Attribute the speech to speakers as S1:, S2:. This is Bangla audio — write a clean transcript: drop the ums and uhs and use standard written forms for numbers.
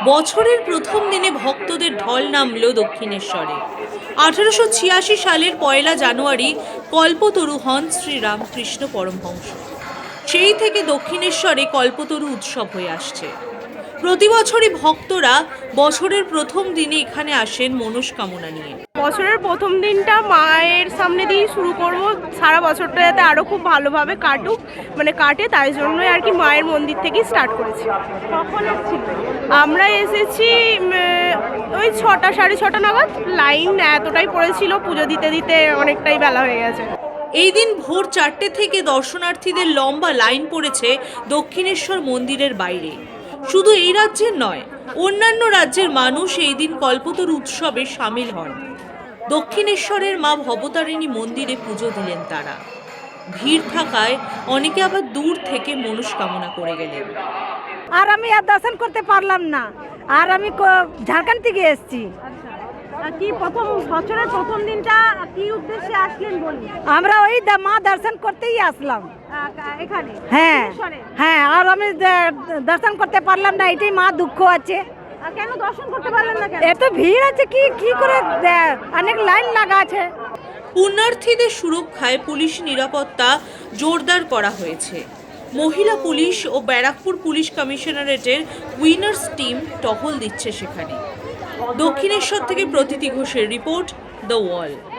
S1: বছরের প্রথম দিনে ভক্তদের ঢল নামল দক্ষিণেশ্বরে। 1886 সালের 1 জানুয়ারি কল্পতরু হন শ্রীরামকৃষ্ণ পরমহংস। সেই থেকে দক্ষিণেশ্বরে কল্পতরু উৎসব হয়ে আসছে। প্রতি বছরই ভক্তরা বছরের প্রথম দিনে এখানে আসেন মনস্কামনা নিয়ে।
S2: বছরের প্রথম দিনটা মায়ের সামনে দিয়ে শুরু করব, সারা বছরটা যাতে আরও খুব ভালোভাবে কাটে, তাই জন্যই আর কি মায়ের মন্দির থেকেই স্টার্ট করেছি। কখন এসেছি? আমরা এসেছি ওই 6টা, 6:30 নাগাদ। লাইন এতটাই পড়েছিল, পুজো দিতে দিতে অনেকটাই বেলা হয়ে গেছে।
S1: এই দিন ভোর 4টে থেকে দর্শনার্থীদের লম্বা লাইন পড়েছে দক্ষিণেশ্বর মন্দিরের বাইরে। শুধু এই রাজ্যের নয়, অন্যান্য রাজ্যের মানুষ এই দিন কল্পতরু উৎসবে সামিল হন। দক্ষিণেশ্বরের মা ভবতারিণী মন্দিরে পুজো দিলেন তারা। ভিড় থাকায় অনেকে আবার দূর থেকে মনস্কামনা করে গেলেন।
S3: আর আমি আর দর্শন করতে পারলাম না, আর আমি ঝাড়খণ্ড থেকে এসেছি।
S2: কি বছরের প্রথম দিনটা কি উদ্দেশ্যে আসলেন বলুন?
S3: আমরা ওই মা দর্শন করতেই আসলাম
S2: এখানে।
S3: হ্যাঁ হ্যাঁ, আর আমি দর্শন করতে পারলাম না, এটাই মা দুঃখ আছে।
S2: কেন দর্শন করতে পারলেন না?
S3: এত ভিড় আছে, কি করে অনেক লাইন লাগা আছে।
S1: পুণ্যার্থীদের সুরক্ষায় পুলিশ নিরাপত্তা জোরদার করা হয়েছে। মহিলা পুলিশ ও ব্যারাকপুর পুলিশ কমিশনারেটের উইনার্স টিম টহল দিচ্ছে সেখানে। দক্ষিণেশ্বর থেকে প্রতীতি ঘোষের রিপোর্ট, দ্য ওয়াল।